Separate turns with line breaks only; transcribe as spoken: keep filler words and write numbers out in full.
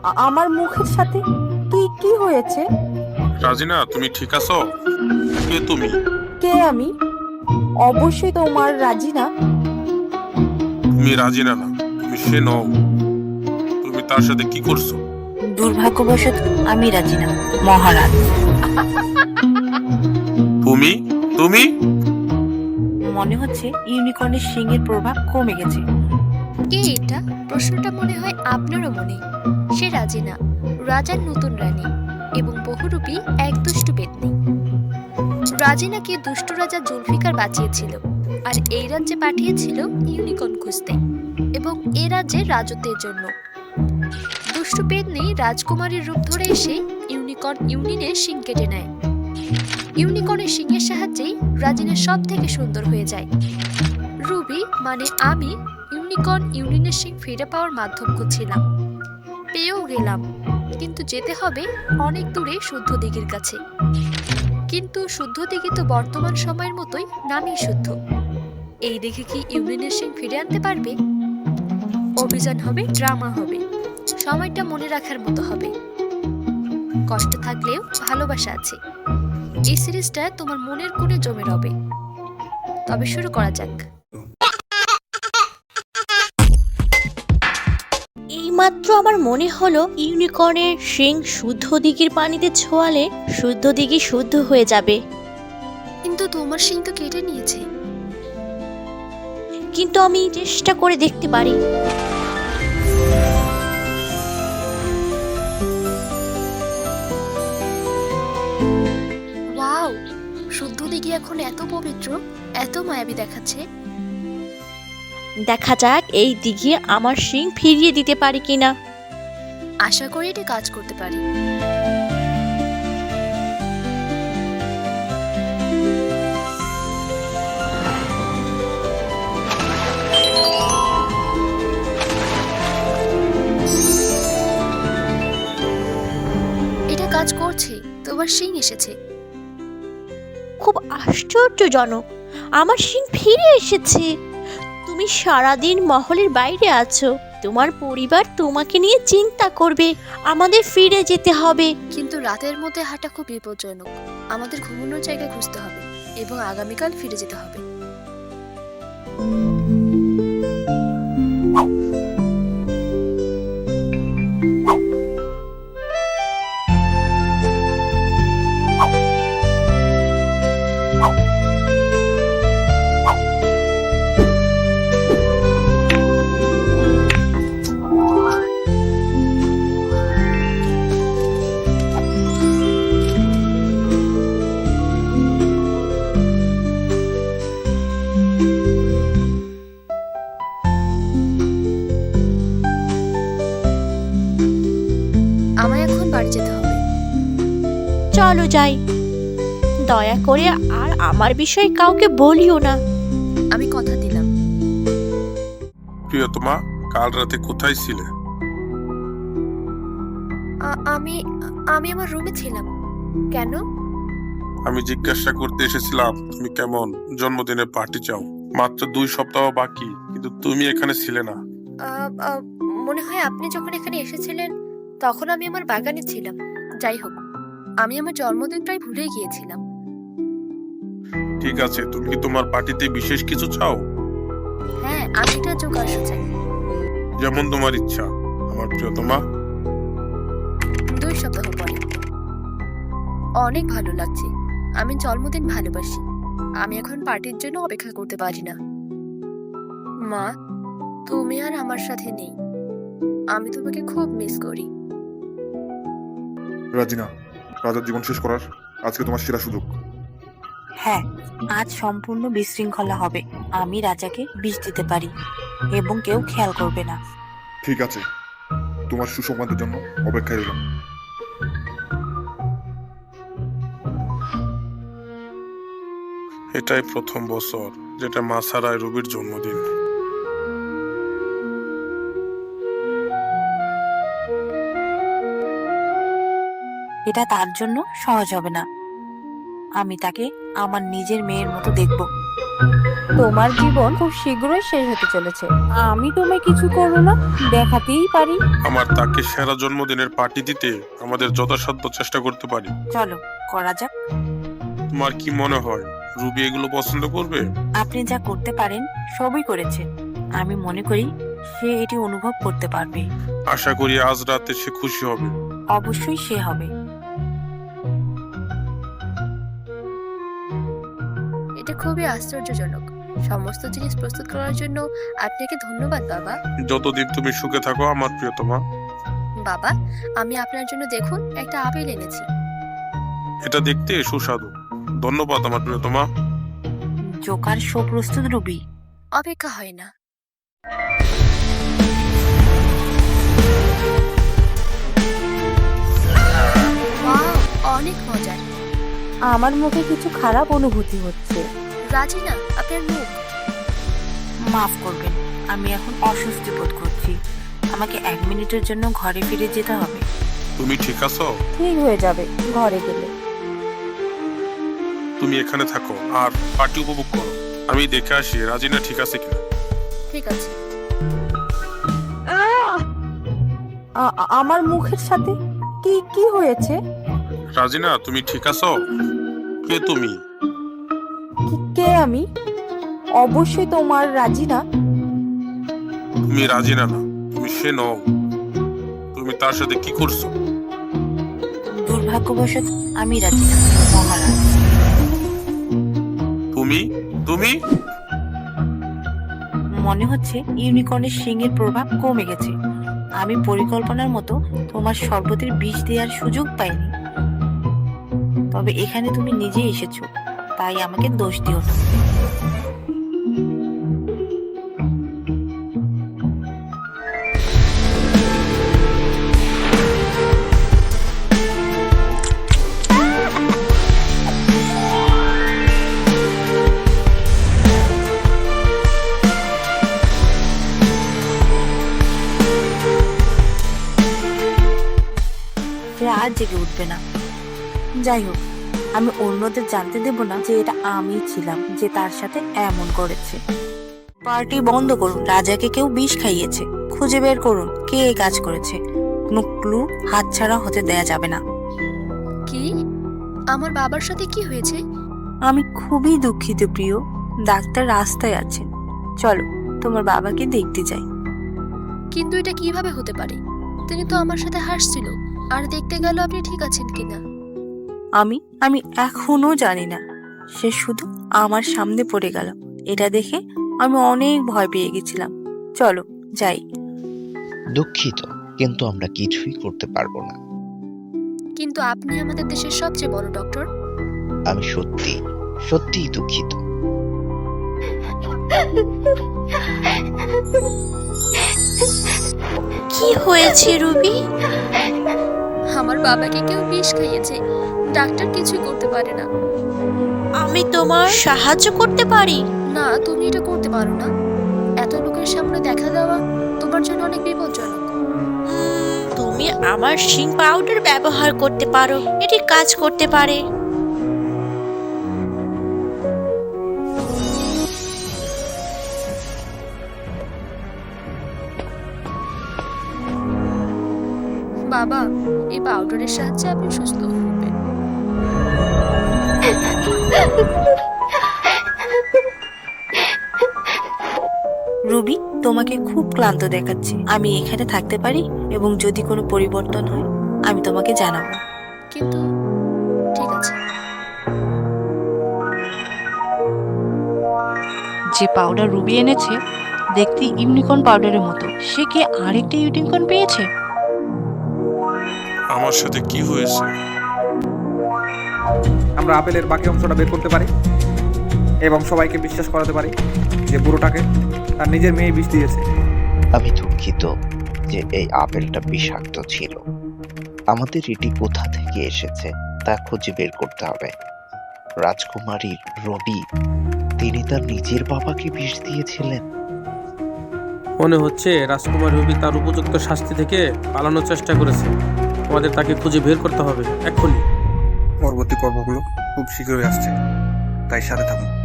আ- আমার মুখের সাথে তুই কি হয়েছে?
রাজিনা, তুমি ঠিক আছো? কে তুমি?
কে আমি? অবশ্যই তোমার রাজিনা।
তুমি রাজিনা না, তুমি সে নও। তুমি তার সাথে কি করছো?
দুর্ভাগ্যবশত আমি রাজি না, মহারাজ।
তুমি তুমি
মনে হচ্ছে ইউনিকর্নের শিংয়ের প্রভাব কমে গেছে।
কে এটা? প্রশ্নটা মনে হয় আপনারও মনে। সে রাজিনা, রাজার নতুন রানী এবং বহুরূপী এক দুষ্টু পেতনি। রাজিনাকে দুষ্ট রাজা জুলফিকার বাঁচিয়েছিল আর এই রাজ্যে পাঠিয়েছিল ইউনিকর্ন খুঁজতে এবং এ রাজ্যের রাজত্বের জন্য। দুষ্টু পেতনি রাজকুমারীর রূপ ধরে এসে ইউনিকর্ন ইউনিয়নের শিং কেটে নেয়। ইউনিকর্নের শিংয়ের সাহায্যেই রাজিনা সব থেকে সুন্দর হয়ে যায়। রুবি মানে আমি ইউনিকর্ন ইউনিয়নের শিং ফিরে পাওয়ার মাধ্যম খুঁজছিলাম। পেয়েও গেলাম, কিন্তু যেতে হবে অনেক দূরে শুদ্ধ দিঘির কাছে। কিন্তু শুদ্ধ দিঘি তো বর্তমান সময়ের মতোই নামই শুদ্ধ। এই দেখে কি ইউনিয়নের শিং ফিরে আনতে পারবে? অভিযান হবে, ড্রামা হবে, সময়টা মনে রাখার মতো হবে। কষ্ট থাকলেও ভালোবাসা আছে। এই সিরিজটা তোমার মনের কোণে জমে রবে। তবে শুরু করা যাক।
এইমাত্র আমার মনে হলো ইউনিকর্নের শিং শুদ্ধ দিঘির পানিতে ছোঁয়ালে শুদ্ধ দিঘি শুদ্ধ হয়ে যাবে।
কিন্তু তোমার শিং তো কেটে নিয়েছে।
কিন্তু আমি চেষ্টা করে দেখতে পারি।
ওয়াও, শুদ্ধ দিঘি এখন এত পবিত্র, এত মায়াবী দেখাচ্ছে।
দেখা যাক এই দিঘি আমার শিং ফিরিয়ে দিতে পারি কিনা।
আশা করি এটা কাজ করতে পারি। এটা কাজ করছে, তোমার শিং এসেছে।
খুব আশ্চর্যজনক, আমার শিং ফিরে এসেছে। তুমি সারাদিন মহলের বাইরে আছো, তোমার পরিবার তোমাকে নিয়ে চিন্তা করবে। আমাদের ফিরে যেতে হবে।
কিন্তু রাতের মধ্যে হাঁটা খুব বিপজ্জনক। আমাদের ঘুমানোর জায়গা খুঁজতে হবে এবং আগামীকাল ফিরে যেতে হবে। আমায় এখন বাড়ি যেতে হবে।
চলো যাই। দয়া করে আর আমার বিষয়ে কাউকে বলিও না।
আমি কথা দিলাম।
প্রিয়তমা, কাল রাতে কোথায় ছিলে?
আ- আমি আমি আমার রুমে ছিলাম। কেন?
আমি জিজ্ঞাসা করতে এসেছিলাম তুমি কেমন। জন্মদিনের পার্টি চাও, মাত্র দুই সপ্তাহ বাকি, কিন্তু তুমি এখানে ছিলে না।
আ, আ, মনে হয় আপনি যখন এখানে এসেছিলেন তখন আমি আমার বাগানে ছিলাম। যাই হোক, আমি আমার জন্মদিন প্রায় ভুলে গিয়েছিলাম।
ঠিক আছে, তুমি কি তোমার পার্টিতে বিশেষ কিছু চাও?
হ্যাঁ, আমি এটা যোগাসন চাই।
যেমন তোমার ইচ্ছা আমার প্রিয়তমা।
দুই সপ্তাহ পরে। অনেক ভালো লাগছে। আমি জন্মদিন ভালোবাসি। আমি এখন পার্টির জন্য অপেক্ষা করতে পারি না। মা, তুমি আর আমার সাথে নেই। আমি তোমাকে খুব মিস করি।
রাজিনা, রাজার জীবন শেষ করার আজকে তোমার সেরা সুযোগ।
হ্যাঁ, আজ সম্পূর্ণ বিশৃঙ্খলা হবে। আমি রাজাকে বিষ দিতে পারি এবং কেউ খেয়াল করবে না।
ঠিক আছে, তোমার সুসংবাদের জন্য অপেক্ষায় রইলাম।
এটাই প্রথম বছর যেটা মা ছাড়ায় রবির জন্মদিন।
এটা তার জন্য সহজ হবে না। আমি তাকে আমার নিজের মেয়ের মতো দেখব।
তোমার জীবন খুব শীঘ্রই শেষ হতে চলেছে। আমি তোমায় কিছু করবো না, দেখাতেই পারি।
আমার তাকে সেরা জন্মদিনের পার্টি দিতে আমাদের যথাসাধ্য চেষ্টা করতে পারি।
চলো করা যাক।
তোমার কি মনে হয় রুবি এগুলো পছন্দ করবে?
আপনি যা করতে পারেন সবই করেছেন। আমি মনে করি সে এটি অনুভব করতে পারবে।
আশা করি আজ রাতে সে খুশি হবে।
অবশ্যই সে হবে।
এটা খুবই আশ্চর্যজনক। সমস্ত জিনিস প্রস্তুত করার জন্য আপনাকে ধন্যবাদ বাবা।
যতদিন তুমি সুখে থাকো আমার প্রিয়তমা।
বাবা, আমি আপনার জন্য দেখুন একটা আপেল এনেছি।
এটা দেখতে সুস্বাদু। ধন্যবাদ আমার প্রিয়তমা।
জোকার শো প্রস্তুত রুবি।
অপেক্ষা হয় না। ওয়াও, অনেক মজার।
আমার মুখে কিছু খারাপ অনুভূতি হচ্ছে।
রাজিনা, আপনার মুখ।
মাফ করবেন, আমি এখন অস্বস্তি বোধ করছি। আমাকে এক মিনিটের জন্য ঘরে ফিরে যেতে হবে।
তুমি ঠিক আছো?
ঠিক হয়ে যাবে ঘরে গেলে।
তুমি এখানে থাকো আর পার্টি উপভোগ করো। আমি দেখে আসি রাজিনা ঠিক আছে কিনা।
ঠিক আছে।
আ- আ- আমার মুখের সাথে কি কি হয়েছে?
রাজিনা তুমি ঠিক আছো? কে তুমি?
কি- কে আমি? অবশ্যই তোমার রাজিনা।
তুমি রাজিনা না, তুমি সে নও। তুমি তার সাথে কি করছো?
দুর্ভাগ্যবশত আমি রাজি না, মহারাজ।
তুমি তুমি
মনে হচ্ছে ইউনিকর্নের শিংয়ের প্রভাব কমে গেছে। আমি পরিকল্পনার মতো তোমার শরবতের বিষ দেওয়ার সুযোগ পাইনি। তবে এখানে তুমি নিজে এসেছো, তাই আমাকে দোষ দিও না। সে আর জেগে উঠবে না। যাই হোক, আমি অন্যদের জানতে দেব না যে এটা আমি ছিলাম যে তার সাথে এমন করেছে। পার্টি বন্ধ করুন। রাজাকে কেউ বিষ খাইয়েছে। খুঁজে বের করুন কে এই কাজ করেছে। কোনো ক্লু হাতছাড়া হতে দেয়া যাবে না।
কি? আমার বাবার সাথে কি হয়েছে?
আমি খুবই দুঃখিত প্রিয়। ডাক্তার রাস্তায় আছেন, চলো তোমার বাবাকে দেখতে যাই।
কিন্তু এটা কিভাবে হতে পারে? তিনি তো আমার সাথে হাসছিল আর দেখতে গেল আপনি ঠিক আছেন কিনা।
আমি আমি এখনো জানি না। সে শুধু আমার সামনে পড়ে গেল। এটা দেখে আমি অনেক ভয় পেয়ে গেছিলাম। চলো যাই।
দুঃখিত, কিন্তু আমরা কিছুই করতে পারবো না।
কিন্তু আপনি আমাদের দেশের সবচেয়ে বড় ডক্টর।
আমি সত্যি সত্যিই দুঃখিত।
কি হয়েছে রুবি?
আমার বাবাকে কেউ বিষ খাইয়েছে। ডাক্তার কিছুই করতে পারে না।
আমি তোমার সাহায্য করতে পারি।
না, তুমি এটা করতে পারো না। এত লোকের সামনে দেখা দেওয়া তোমার জন্য অনেক বিপজ্জনক।
উম, তুমি আমার শিং পাউডার ব্যবহার করতে পারো, এটি কাজ করতে পারে।
বাবা, এই পাউডারের সাহায্যে আপনি সুস্থ হবেন।
রুবি, তোমাকে খুব ক্লান্ত দেখাচ্ছে। আমি এখানে থাকতে পারি এবং যদি কোনো পরিবর্তন হয় আমি তোমাকে জানাবো।
কিন্তু ঠিক আছে।
যে পাউডার রুবি এনেছে দেখতে ইউনিকর্ন পাউডারের মতো। সে কি আরেকটা ইউনিকর্ন পেয়েছে?
আমার সাথে কি হয়েছে?
আমরা আপেলের বাকি অংশটা বের করতে পারি এবং সবাইকে বিশ্বাস করাতে পারি যে বুড়োটাকে তার নিজের মেয়ে বিষ দিয়েছে।
আমি দুঃখিত যে এই আপেলটা বিষাক্ত ছিল। আমাদের এটি কোথা থেকে এসেছে তা খুঁজে বের করতে হবে। রাজকুমারী রবি, তিনি তার নিজের বাবাকে বিষ দিয়েছিলেন।
মনে হচ্ছে রাজকুমার রবি তার উপযুক্ত শাস্তি থেকে পালানোর চেষ্টা করেছে। আমাদের তাকে খুঁজে বের করতে হবে এক্ষুনি।
পরবর্তী পর্বগুলো খুব শীঘ্রই আসছে, তাই সাথে থাকুন।